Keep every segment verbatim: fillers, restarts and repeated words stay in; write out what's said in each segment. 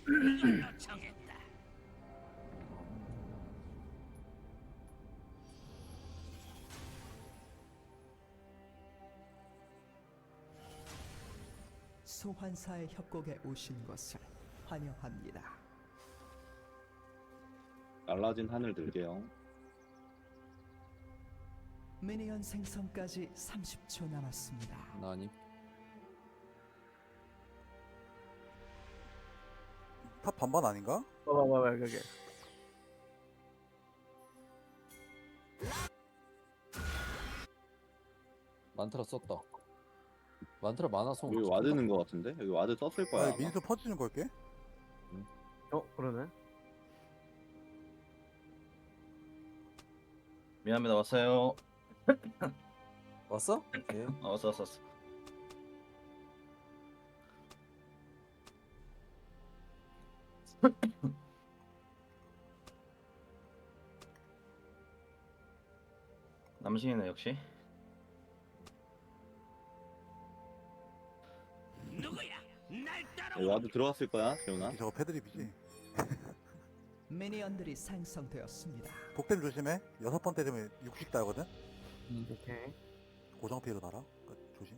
이걸로 정했다. 소환사의 협곡에 오신 것을 환영합니다. 날라진 하늘 들게요. 미니언 생성까지 삼십 초 남았습니다. 나니 탑 반반 아닌가? 봐봐 봐봐 그게. 만트라 썼다. 만트라 많아서 여기 와드는 거 같은데? 여기 와드 썼을 거야. 아, 아마. 민수 퍼주는 걸게. 어 그러네. 미안합니다. 왔어요. 왔어? 오케이. 아, 왔어 왔어 왔어. 남신이네 역시. 누구야? 날 여기 따라와. 와드 들어갔을 거야, 재훈아. 저거 패드립이지. 미니언들이 생성되었습니다. 독댐 조심해. 여섯 번 때리면 육십 달거든. 오케이. 고정 피해로 날아. 그러니까 조심.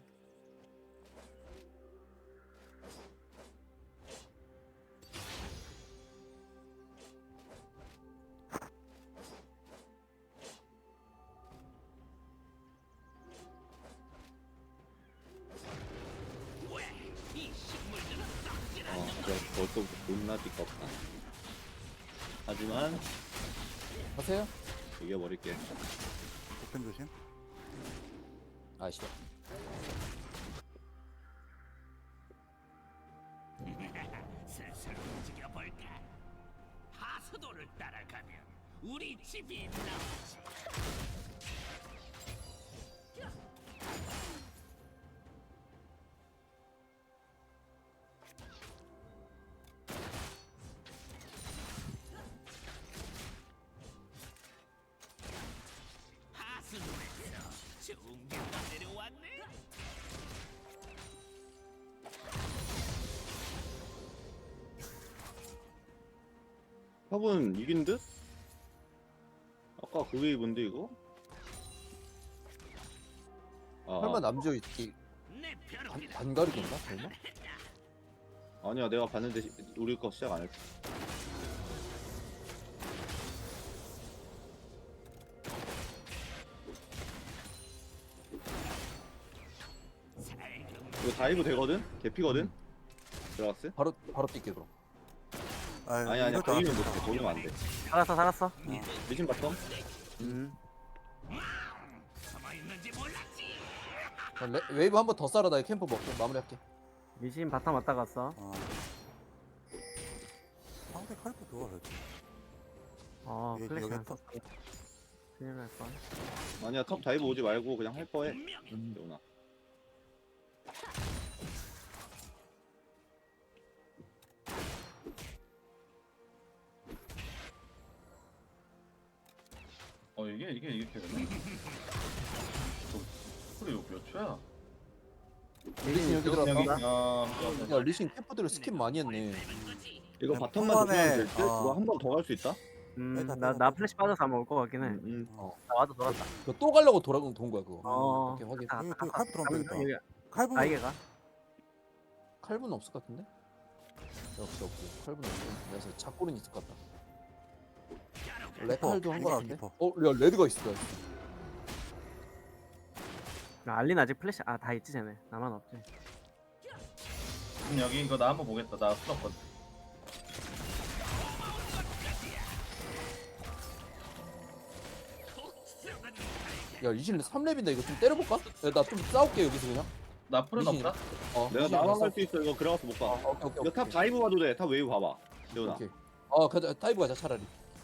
왜이 식물들은 썩질 어, 않는 내가 벌써부터 존나 띠껍다. 하지만 하세요? 이겨버릴게. 독댐 조심. 아씨. 슬슬 움직여 볼까? 하수도를 따라가면 우리 집이 나오지. 하수도에서 좋은 게가 내려왔네. 탑은 이긴 듯? 아까 그게 입은데 이거? 아, 설마 남주 이 내 반, 벼룩이다. 반가리인가? 설마? 아니야, 내가 봤는데 시- 우리 거 시작 안 했어. 살금 이거 다이브 되거든? 개피거든? 들어갔어? 바로 바로 뛸게 그럼. 아, 아니 아니야, 이럴 줄 보이면 알았어. 못해. 보이면 안 돼. 살았어 살았어. 미신 바텀? 음. 숨어 있는지 몰랐지. 자, 레, 웨이브 한 번 더 쏴라. 나 캠프 먹고 마무리할게. 미신 바텀 왔다 갔어. 어. 상대 칼프 좋아 그래도. 어 얘 플래시 여기 안 했어? 썼어. 큰일 날 뻔. 아니야, 탑 다이브 오지 말고 그냥 할 거해. 분명히 음. 재훈아. 어 이게 이게 이렇게 되나? 저 그래 이거 몇 초야? 리신 여기 여기 들어갔다. 아 야 리신 캠프들을 스킵 많이 했네. 이거 그냥 바텀만 초반에, 조심하면 될 듯? 어. 그거 한 번 더 갈 수 있다? 일단 음나 나 플래시 빠져서 아마 올 것 같긴 해. 응, 응. 나 와도 돌았다. 이거 또 가려고 돌아온 돈 거야 그거. 어. 오케이 확인. 갔다 여기 갔다 또 칼프 들어오면 되겠다. 여기 칼부 아이게가. 칼분 없을 것 같은데? 없어 없어. 칼분 없어. 그래서 작골은 있을 것 같다. 레칼도 한 거 깊어, 같은데? 깊어. 어, 야 레드가 있어. 야. 나 알린 아직 플래시 아 다 있지 쟤네. 나만 없지. 음, 여기 이거 나 한번 보겠다. 나 풀었거든. 야 리신 삼 렙인데 이거 좀 때려볼까? 나 좀 싸울게 여기서 그냥. 나 풀은 미신이다. 없다. 어. 내가 리신 나만 싸- 갈 수 있어. 이거 그래가서 못 가. 어, 오케이 오케이. 이거 탑 다이브 봐도 돼. 탑 웨이브 봐봐. 재훈아. 오케이. 어 가자. 다이브 가자 차라리.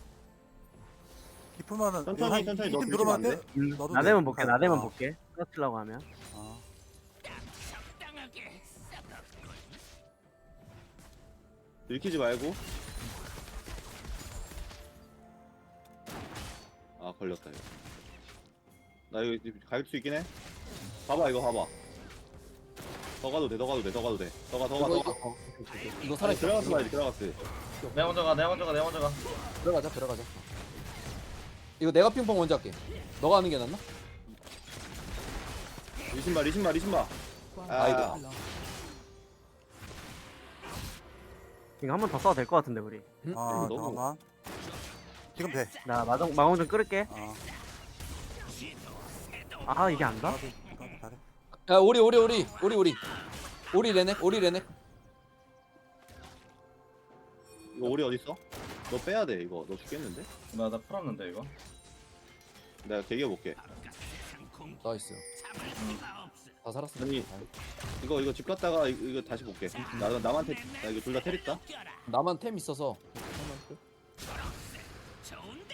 깊으면은 천천히, 한 천천히 이쯤 넣어 들어가면 주시면 돼? 음, 나도 나대면 돼. 볼게 아, 나대면 아. 볼게. 끌어치려고 하면. 아, 적당하게 썩었군. 들키지 말고. 아, 걸렸다, 이거. 나 이거 갈 수 있긴 해. 봐봐, 이거 봐봐. 더 가도 돼, 더 가도 돼, 더 가도 돼. 더 가, 더 가, 이거 더 이거 가. 어, 오케이, 오케이. 이거 아니, 살아있어. 들어가서 이거. 봐야지, 들어갔어. 내가 먼저 가 내가 먼저 가 내가 먼저 가. 들어가자 들어가자. 이거 내가 핑퐁 먼저 할게. 너가 하는 게 낫나? 리신바, 리신바, 리신바. 아이고. 이거 한 번 더 써도 될 것 같은데 우리. 음? 아 너무- 잠깐만. 지금 돼. 나 마정 마공 좀 끌을게. 어. 아 이게 안 가? 까비 까비 잘해. 야 우리 우리 우리 우리 우리 우리 레넥 우리 레넥. 이거 오리 어딨어? 너 빼야 돼, 이거. 너 죽겠는데? 나나 풀었는데 이거. 내가 개겨볼게. 나이스. 다 살았어. 아니, 이거, 이거 집 갔다가 이거, 이거 다시 볼게. 나, 남한테, 나 이거 둘 다 테리다? 나만 템 있어서. 좋은데.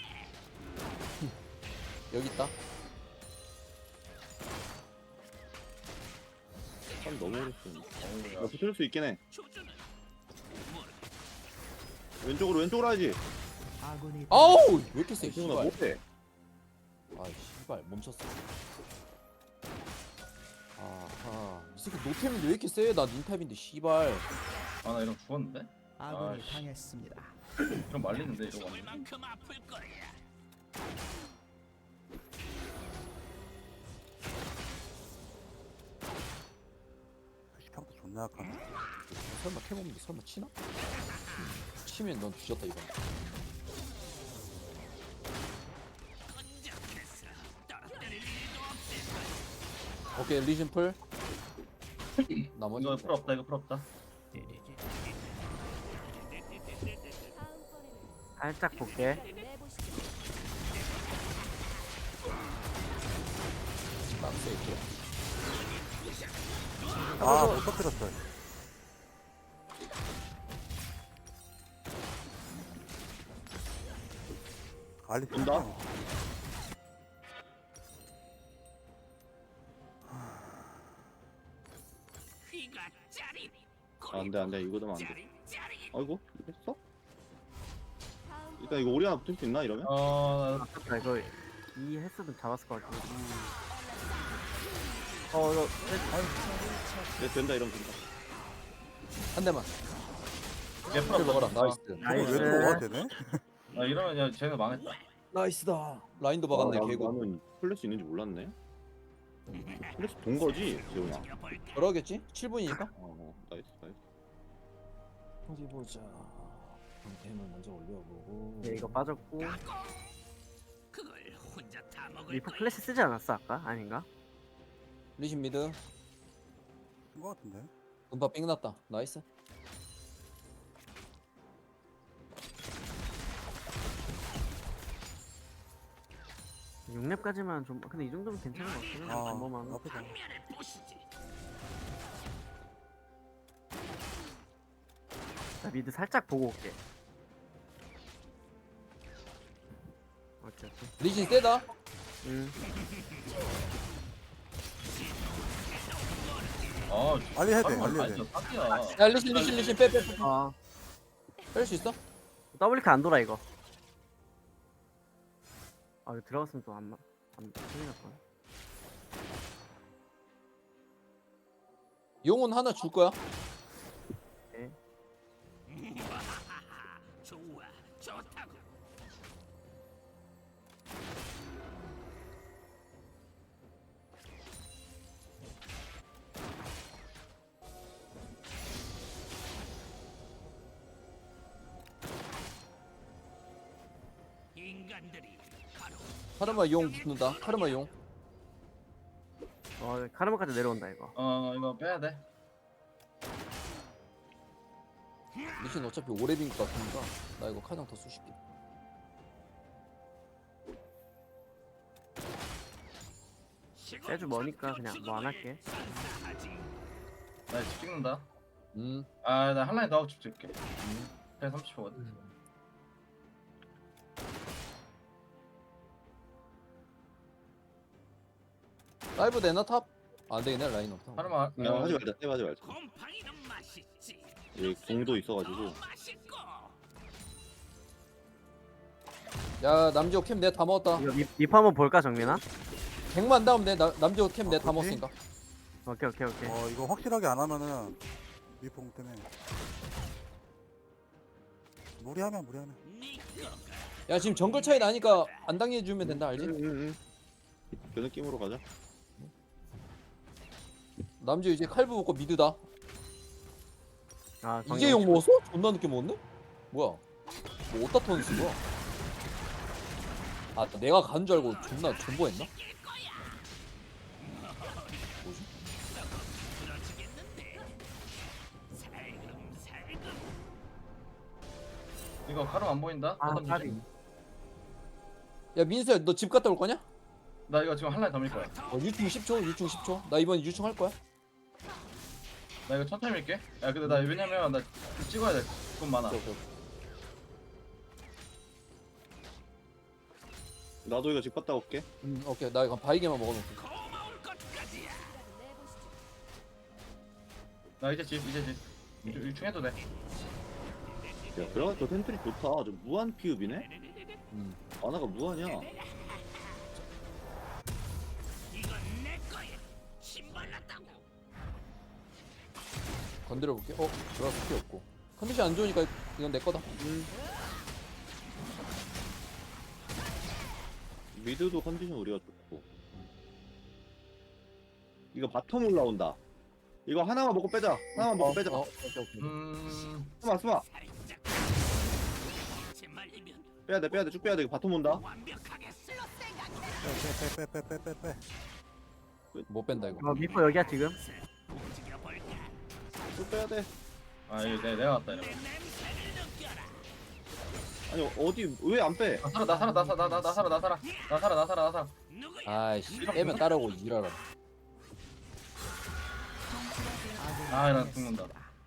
여기 있다. 참 너무 오래 쓰네. 너 붙을 수 있긴 해. 조준은 왼쪽으로, 왼쪽으로 하지. 아군이 아우 왜 이렇게 세? 지금 나 씨발. 못해. 아이 씨발 멈췄어. 아하 이 새끼 노템인데 왜 이렇게 세? 나 닌탑인데 씨발. 아 나 이러면 죽었는데? 아군이 아이씨. 당했습니다. 좀 말리는데 이거 죽을 완전. 만큼 아플 거야. 시평도 존나 약하네. 설마 템 없는데 설마 치나? 치면 넌 뒤졌다 이거. 끈적했어. 떨어뜨릴 일도 없을 오케이 리신 풀. 나머지 이거 풀 없다 이거 풀 없다. 살짝 볼게. 빡세 있고. 아못 터뜨렸어. 알리 온다? 귀가 짜릿. 아, 안 돼, 안 돼. 이거 되면 안 돼. 짜릿짜릿. 아이고, 이거 했어? 일단 이거 오리 하나 붙을 수 있나, 이러면? 어, 나 아깝다 이거 이 헬스는 잡았을 것 같아. 어 이거 네, 된다, 이러면 된다. 한 대만. 얘 풀 풀 먹어라. 없다. 나이스. 이거 나이스. 왜 들어와 되네? 아 이러면 야 쟤네 망했다. 나이스다. 라인도 박았네 아, 나- 개구. 나는 플래시 있는지 몰랐네. 플래시 본 거지, 재훈아. 그러겠지? 칠 분이니까. 어, 나이스, 나이스. 어디 보자. 템을 먼저 올려보고. 예, 이거 빠졌고. 그걸 혼자 다 먹을 리프 거야. 플래시 쓰지 않았어 아까? 아닌가? 리신 미드. 쓴거 같은데? 음파 삥 났다. 나이스. 육 렙까지만 좀 근데 이 정도면 괜찮은 것 같긴 해. 아 뭐만 나쁘지 않아. 면을 보시지. 나 미드 살짝 보고 올게. 오케이 오케이. 리신 세다. 음. 아, 알리 해야 돼. 아, 알리 해야 아니, 돼. 사기야. 야 리신 리신 리신 빼 빼 빼. 아 뺄 수 있어? 더블리크 안 돌아 이거. 아 이거 들어갔으면 또 안 맞. 안 큰일 날 거야. 용은 하나 줄 거야. 좋아, 좋다고. 인간들이 바로 카르마 용 붙는다. 카르마 용. 어 카르마까지 내려온다 이거. 어 이거 빼야 돼. 리신 어차피 오래빈 것 같으니까 나 이거 카장 더 쑤실게. 세주 머니까 그냥 뭐 안 할게. 나 집 찍는다. 음. 아 나 한 라인 더 하고 집 찍을게. 음. 그래 삼십 초거든. 다이브 되나 탑? 안 되겠네 라인 없다. 하루만. 그냥 하지 말자, 세브 하지 말자. 곰팡이는 맛있지. 얘 공도 있어가지고. 더 맛있고. 야 남지호 캠 내가 다 먹었다. 이거 리, 리프 한번 볼까 정민아? 백만 다음 내 나- 남지호 캠 내가 다 어, 그치? 먹었으니까. 오케이 오케이 오케이. 어 이거 확실하게 안 하면은 미풍 때문에 무리하면 무리하면 야 지금 정글 차이 나니까 안 당해주면 된다 알지? 응응응. 그 느낌으로 가자. 남주 이제 칼부 먹고 미드다. 아 이제 용 먹었어? 존나 늦게 먹었네? 뭐야? 뭐 어디다 터는 쓴 거야? 아 내가 간 줄 알고 존나 존버했나? 뭐지? 이거 카름 안 보인다? 아 어떤 까비. 주지? 야 민수야 너 집 갔다 올 거냐? 나 이거 지금 한 라인 더 밀 거야. 어 유충 십 초 유충 십 초 나 이번 유충 할 거야. 나 이거 천천히 밀게. 야 근데 나 왜냐면 나 찍어야 돼. 돈 많아. 오케이, 오케이. 나도 이거 집 갔다 올게. 음, 오케이 나 이거 바이게만 먹어놓을게. 고마울 것까지야. 나 이제 집 이제 집. 유충해도 돼. 야 그래가 저 텐트리 좋다. 저 무한 피읍이네. 음. 아나가 무한이야. 이건 내 거야. 신발났다고. 건드려 볼게. 어 들어가서 피 없고. 컨디션 안 좋으니까 이건 내 거다. 미드도 컨디션 우리가 좋고. 이거 바텀 올라온다. 이거 하나만 먹고 빼자. 하나만 먹고 빼자. 어, 오케이 오케이. 음. 스마 스마. 살짝. 제 말리면 빼야 돼 빼야 돼 쭉 빼야 돼. 이거 바텀 온다. 완벽하게 쓸 생각해. 빼빼빼빼빼빼빼 못 뺀다 이거. 어 미포 여기야 지금. 움직여 볼까? 쭉 빼야 돼. 아 이거 내 내가 왔다 내 이러면. 냄새를 느껴라. 아니 어디 왜 안 빼? 나 살아 나 살아 나 살아 나, 나 살아 나 살아 나 살아 나 살아 나 살아. 누구야? 아이씨 빼면 따라오고 일하라. 아나 죽는다.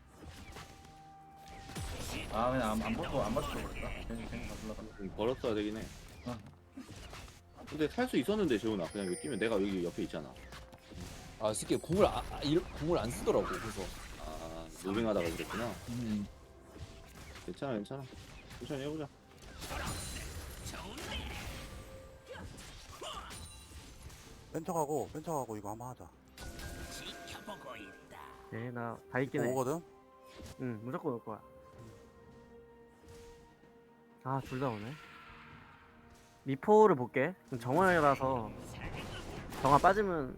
아 그냥 안안 보고 안 맞춰 버렸다. 괜히 괜히 다 불러다. 음, 벌었어야 되긴 해. 어. 근데 살 수 있었는데 재훈아. 그냥 여기 뛰면 내가 여기 옆에 있잖아. 아 스키 궁을 아, 아, 일, 궁을 안 쓰더라고 그래서. 아 무빙하다가 그랬구나. 음. 괜찮아 괜찮아. 천천히 해보자. 좋은데. 뺀척하고 뺀척하고 이거 한번 하자. 지켜보고 있다. 네나 다 있긴 해. 오거든? 응 무조건 올 거야. 아 둘 다 오네. 미포를 볼게. 그럼 정화라서 정화 빠지면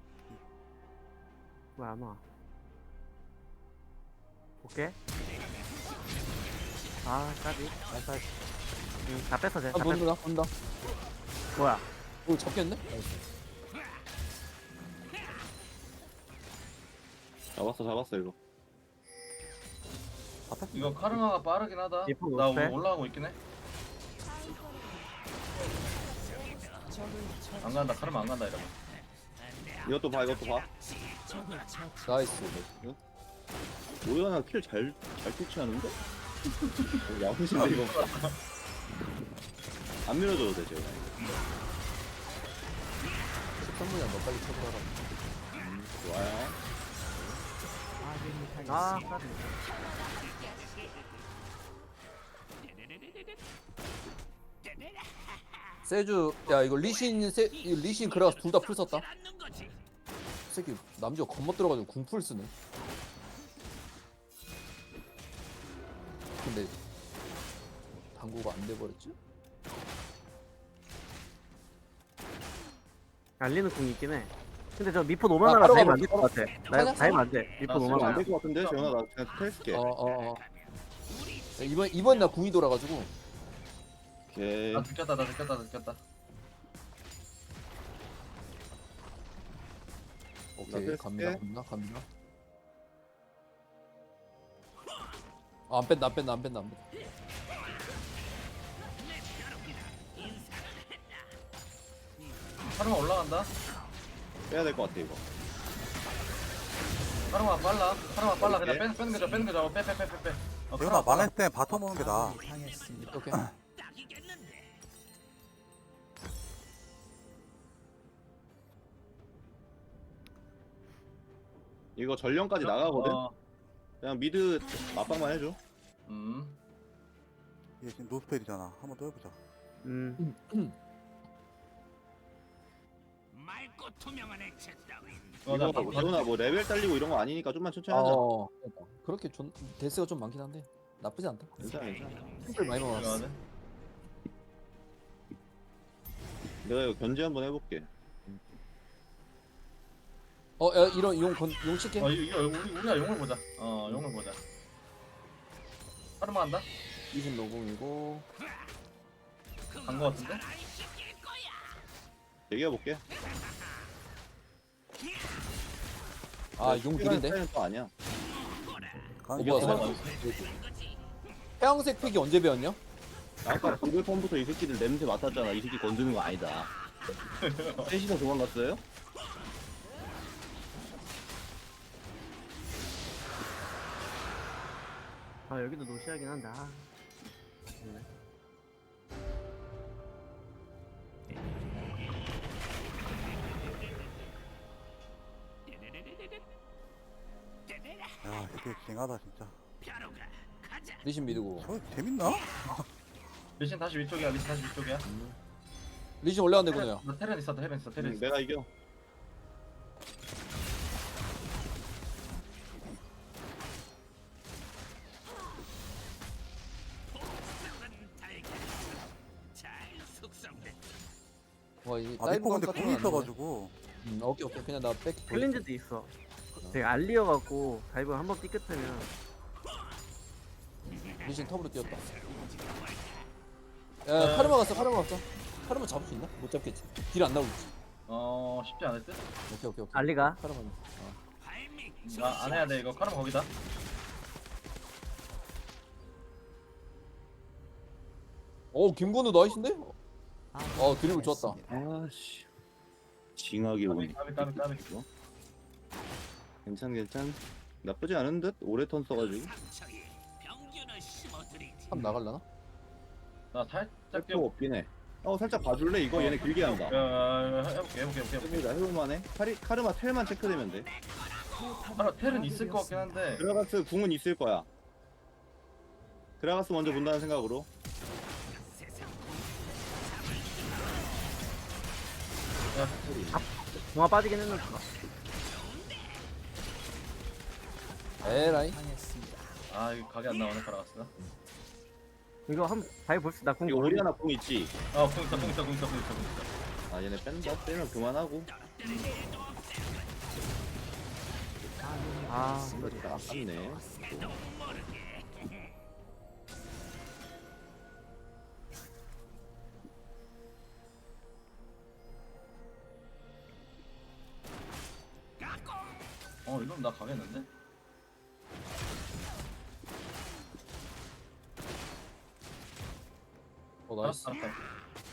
왜 안 와? 볼게. 아 까비. 아, 응, 다 뺐어 쟤. 아 다 뺐어. 본다 본다. 뭐야? 이거 잡겠네? 잡았어 잡았어 이거. 앞에? 이거 카르마가 빠르긴 하다. 미포 나 못해? 올라가고 있긴 해. 안 간다 카르마 안 간다 이러면. 이것도 봐 이것도 봐. 나이스. 오연아 킬잘잘 캐치하는데? 어, 야무진데 이거. 안 밀어줘도 돼 재훈아. 십삼 분이야 너 빨리 쳐들어라. 음, 좋아요. 아군이 아 당했습니다. 까비. 세주 야 이거 리신 세 이거 리신 그라가스 둘 다 풀 썼다. 않는 거지. 새끼 남주가 겁먹 들어가지고 궁풀 쓰네. 근데 당구가 안 돼버렸지? 알리는 궁이 있긴 해. 근데 저 미포 아, 노만하라 바로 다이면 가봐, 안될 것 같아. 나 하냐? 다이면 안 돼. 미포 아, 노만하라. 안될 것 같은데 재훈아 나 그냥 테스트게. 어어 어. 야, 이번 이번 나 궁이 돌아가지고 오케이. 나 느꼈다 나 느꼈다 나 느꼈다. 오케이 나 갑니다 뺄게. 갑니다 갑니다. 아, 안 뺀다 안 뺀다 안 뺀다 안 뺀다. 카르마 올라간다. 빼야 될 것 같아 이거. 카르마 빨라. 카르마 빨라. 그냥 빼, 빼는 거죠. 빼는 거죠. 빼, 빼, 빼, 빼, 빼. 어, 재훈아 카르마 빨라. 망했을 때 바텀 오는 게 나아. 아군이 당했습니다. 오케이. 딱이겠는데. 이거 전령까지 나가거든. 어, 그냥 미드 맞방만 해줘. 음. 얘 지금 노스펠이잖아. 한번 더 해보자. 음. 말 밝고 투명한 액체 따윈 어, 나 이거 기훈아 뭐 레벨 딸리고 이런 거 아니니까 좀만 천천히 하자. 어 그러니까. 그렇게 존 데스가 좀 많긴 한데 나쁘지 않다. 괜찮아 괜찮아. 템플 많이 먹었어. 이거는 내가 이거 견제 한번 해볼게. 어 야, 이런 용 건, 용 칠게. 어 이거 이거 우리 우리가 용을 보자. 어 용을 보자. 하루만 한다. 이십 노공이고. 간 거 같은데? 얘기해볼게. 아용 느린데. 차이는 또 아니야. 가는 어, 게 뭐야, 없어. 태양색 픽이 언제 배웠냐? 아까 구글 펌부터 이 새끼들 냄새 맡았잖아. 이 새끼 건드는 거 아니다. 셋이서 도망갔어요? 아 여기도 노시하긴 한데. 아. 좋네. 야, 이게 징하다 진짜. 벼루가 가자. 리신 미드고. 저 재밌나? 리신 다시 위쪽이야. 리신 다시 위쪽이야. 리신 올라간대 군우야. 나 테렌 있어. 테렌 있어. 테렌 응, 있어. 내가 이겨. 속삭은 달걀. 잘 숙성됐다. 와이 아, 다이브 리퍼 근데 같은 궁이 건 있어가지고. 음, 오케이 오케이 그냥 나 백. 클린즈도 있어. 되게 알리어갖고 다이브 한번 삐끗하면 리신 톱으로 뛰었다. 야 카르마 갔어 카르마 갔어. 카르마 잡을 수 있나? 못 잡겠지. 딜 안 나오겠지. 어 쉽지 않을 듯. 오케이 오케이 오케이. 알리가. 카르마. 어. 발밑 나 안 해야 돼 이거. 카르마 거기다. 오 김건우 나이스인데? 어 드리블 좋았다. 아씨. 징하게 오네. 까비 까비 까비. 이거. 괜찮 괜찮. 나쁘지 않은 듯. 오래 턴 써가지고. 상처에 병균을 심어드리지. 한 나갈라나? 나 살짝 할 뛰어. 필요 없긴 해. 어 살짝 봐줄래? 이거 얘네 길게 한다. 야, 해볼게 해볼게 해볼게. 해볼게. 해보자 해볼만해. 카리, 카르마 텔만 체크되면 돼. 카르마 텔은 있을 것 같긴 한데. 그라가스 궁은 있을 거야. 그라가스 먼저 본다는 생각으로. 동화 빠지긴 했는데. 에라이. 아 이거 각이 안 나오네 카라가스가. 이거 한 다이브 볼수 나 궁. 이거 오리아나 궁 있지? 아궁 있어 궁 있어 궁 있어 궁 있어 궁 있어. 아 얘네 뺀다? 빼면 그만하고. 아 그러니까 아깝네. 어 이러면 나 가겠는데? 어 나이스. 알았어 알았어.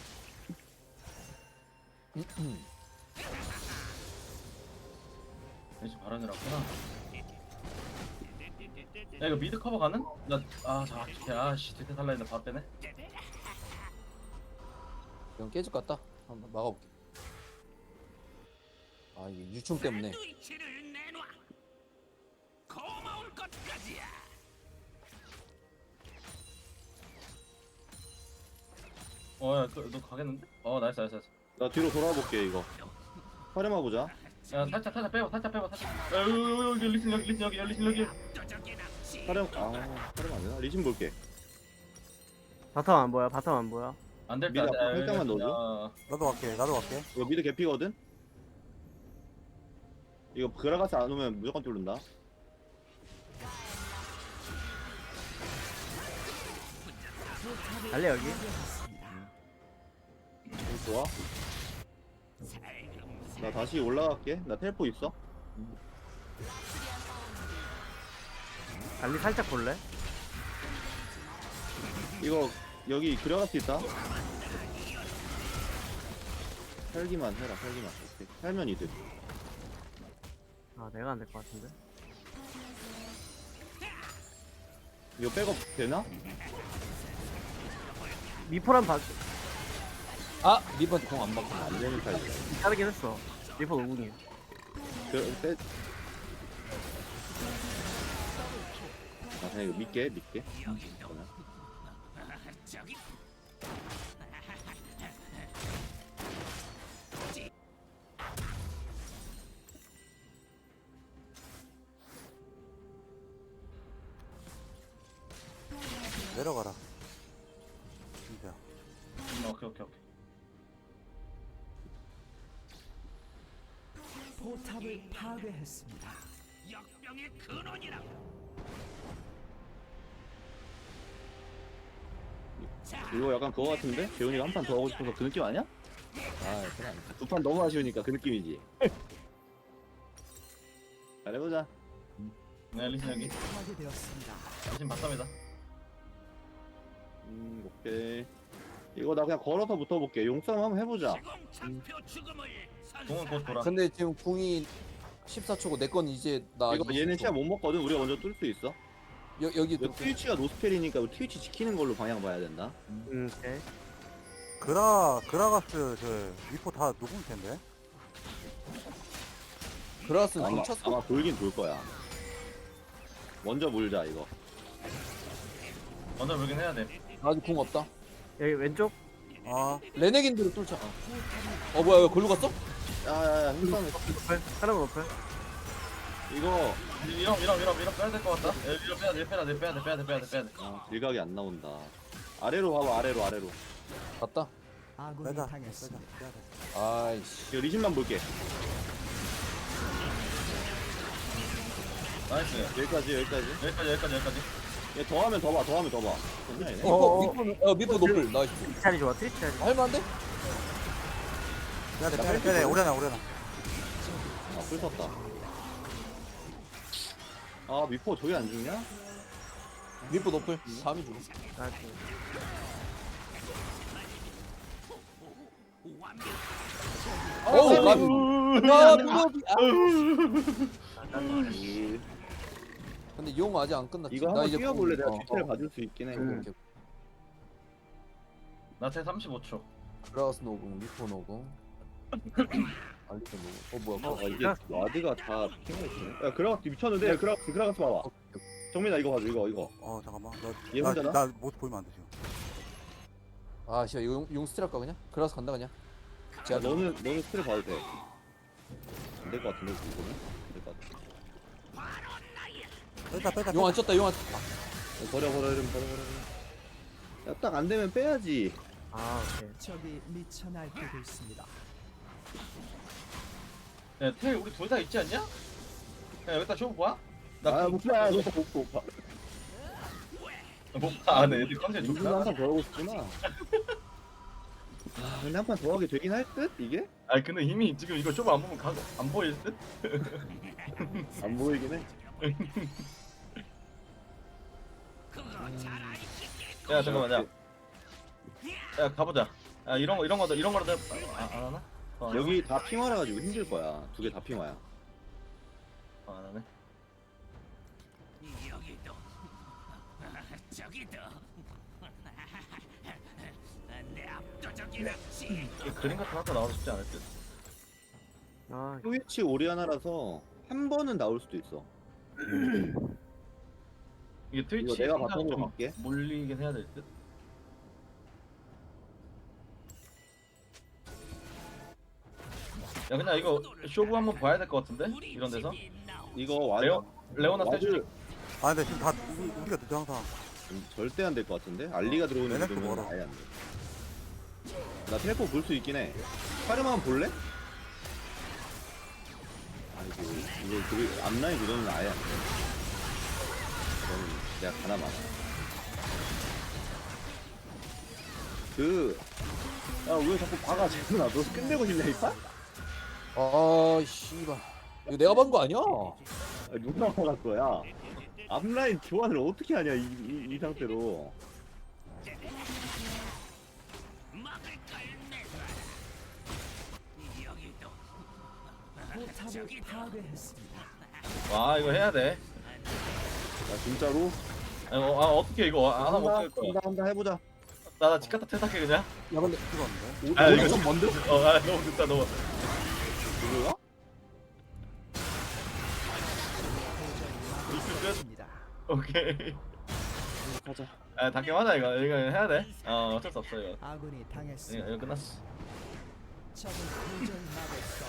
대신 바람이라 구나. 야 이거 미드 커버 가능? 나아자 아씨 대대 살라 했는데 바로 빼네. 이건 깨질 것 같다. 한번 막아볼게. 아 이게 유충 때문에. 샌드위치를 내놔. 고마울 것까지야. 어야 너 가겠는데? 어 나이스 나이스 나이스. 나 뒤로 돌아볼게 이거. 카르마 보자. 야 살짝 살짝 빼봐 살짝 빼봐 살짝. 야 여기 여기 여기 리슨 여기 리슨 여기 여기 리슨 여기. 압도적인 낚시. 카르마 아 카르마 안 되나? 리신 볼게. 바텀 안 보여. 바텀 안 보여. 안될 미드 듯. 앞으로 살짝만 넣어줘. 어, 나도 갈게. 나도 갈게. 이거 미드 개피거든? 이거 그라가스 안 오면 무조건 뚫는다. 알리 여기. 여기 좋아. 나 다시 올라갈게. 나 텔포 있어. 알리 살짝 볼래? 이거 여기 그라가스 있다. 살기만 해라. 살기만. 오케이. 살면 이득. 아 내가 안 될 것 같은데. 이거 백업 되나? 미포란 봐. 아 리버한테 공안 받고. 안 되는 타입이야. 자르긴 했어. 미포 오궁이야. 그, 빼... 아 그냥 이거 믿게 믿게. 저기 진짜. 음, 오케이 오케이 오케이. 포탑을 파괴했습니다. 역병의 근원이라. 이거 약간 그거 같은데? 재훈이가 한 판 더 하고 싶어서 그 느낌 아니야? 아 그건 아니다. 두 판 너무 아쉬우니까 그 느낌이지. 잘해보자. 네 리신 여기. 파괴되었습니다. 리신 바텀이다. 음, 오케이. 이거 나 그냥 걸어서 붙어볼게. 용싸움 한번 해보자. 시공 장표 죽음을 공은 곧 돌아. 근데 지금 궁이 십사 초고 내 건 이제 나 이거 얘는 이십 초. 시야 못 먹거든. 우리가 먼저 뚫을 수 있어. 여, 여기 이거 트위치가 노스펠이니까 트위치 지키는 걸로 방향 봐야 된다. 음, 오케이. 그라 그라가스 저 미포 다 녹을 텐데. 그라스는 아마, 궁 쳤어? 아마 돌긴 돌 거야. 먼저 물자 이거. 먼저 물긴 해야 돼. 아직 궁 없다. 여기 왼쪽. 아 레네긴드로 뚫자. 어 뭐야 왜 걸로 갔어? 야야야 힘싸움. 오플. 하나만 오플. 이거 이런 이런 이런 이런 빼야 될 것 같다. 에, 이런 빼야 돼 빼야 돼 빼야 돼 빼야 돼 빼야 돼 빼야 돼. 아, 일각이 안 나온다. 아래로 봐봐 아래로 아래로. 갔다. 아군이 빼자 빼자 당했습니다. 빼야 돼. 아이씨. 이거 리신만 볼게. 나이스. 여기까지 여기까지. 여기까지 여기까지 여기까지. 얘 더하면 더 봐. 더하면 더 봐. 괜찮아 얘네. 어, 어, 미포 미포 어 미포 노플 나이스. 트리치 자리 좋아. 트리치 자리. 할만한데? 빼야 돼 빼야 돼 빼야 돼. 오려나 오려나. 아, 풀 섰다. 아, 미포 저기 안 죽냐? 미포 노플. 다음이 죽어. 나이스. 어우 까비. 아 미포. 아. 이- 근데 용 아직 안 끝났지. 이거 나 한번 이제 뛰어볼래? 궁- 내가 어, 뒤태를 어. 봐줄 수 있긴 해. 오케이, 오케이. 나체 삼십오 초. 그라스 노궁, 미포 노궁. 알리도 노궁. 어 뭐야? 아, 어, 이게 와드가 다 핑을 있네. 야, 그라가스 미쳤는데? 그라가스, 그라가스 봐봐. 정민아, 이거 봐줘, 이거, 이거. 어 잠깐만. 얘 혼자나? 나나못 보이면 안 돼 지금. 아 씨발 용, 용 스틸 할까 그냥? 그라스 간다 그냥. 야, 제가 너는, 너는 스트레 봐도 돼. 안 될 것 같은데, 이거는? 안 될 것 같아. 빼자 빼자. 용 안 쳤다 용 안. 아, 야, 버려, 버려, 이러면 버려, 버려. 야, 딱 안 되면 빼야지. 아, 오케이. 적이 미쳐 날뛰고 있습니다. 야, 텔 우리 둘 다 있지 않냐? 야, 여기다 쇼부 봐? 나 아, 그- 못 봐, 못 봐, 못 봐. 못 봐. 아, 네, 애들 컨셉 민준이 좋다. 한판 더 하고 싶구나. 아, 근데 한 판 더 하게 되긴 할 듯? 이게? 아니, 근데 이미 지금 이거 쇼부 안 보면 가, 안 보일 듯? 안 보이긴 해. 야, 잠깐만, 야. 야, 가보자. 야, 이런 거, 이런 거도, 이런 거라도, 아, 안 하나? 어, 여기 다 핑화라 가지고 힘들 거야. 두 개 다 핑화야. 어, 안 하네. 여기도 저기도 내 압도적인 압치. 이 그림 같은 거 하나 나와도 쉽지 않을 듯. 아, 트위치 오리아나라서 한 번은 나올 수도 있어. 이게 트위치 이거 내가 생각 바텀으로 좀 갈게. 몰리긴 해야 될 듯. 야, 그냥 이거 쇼부 한번 봐야 될 것 같은데? 이런 데서? 이거 와드 레오, 레오나 와드 세주. 아 근데 지금 다 우리, 우리가 늦어 항상. 음, 절대 안 될 것 같은데? 알리가 들어오는 레넥도 거면 멀어. 아예 안 돼. 나 텔포 볼 수 있긴 해. 카르마만 볼래? 아이고 이거 그 앞라인 구도는 아예 안 돼. 이거는 내가 가나 많아. 그, 야, 왜 자꾸 박아, 재훈아. 너 끝내고 싶냐, 이 판? 아 씨발. 이거 내가 본 거 아니야? 아, 누가 박았어, 야. 앞라인 교환을 어떻게 하냐, 이, 이, 이 상태로. 막을 걸 내놔. 여기도 포탑을 파괴했습니다. 와, 이거 해야 돼. 야, 진짜로? 아, 어, 아 어떻게 이거 안 하면 한다, 어떡할 거야. 한다, 한다, 해보자. 나, 나 집갔다 퇴사해, 그냥. 야 근데 찍었는데. 아, 오, 이거 좀 먼데? 어, 아, 너무 늦다, 너무. 누구야? 미스 끝. 입니다. 오케이. 가자. 아, 닭게 하자, 이거. 이거 해야 돼. 어, 어쩔 수 없어, 이거. 아군이 이거, 당했습니다. 이거 끝났어. 적을 도저히 막을 수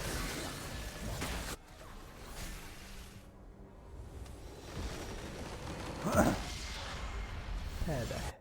없습니다. 패배.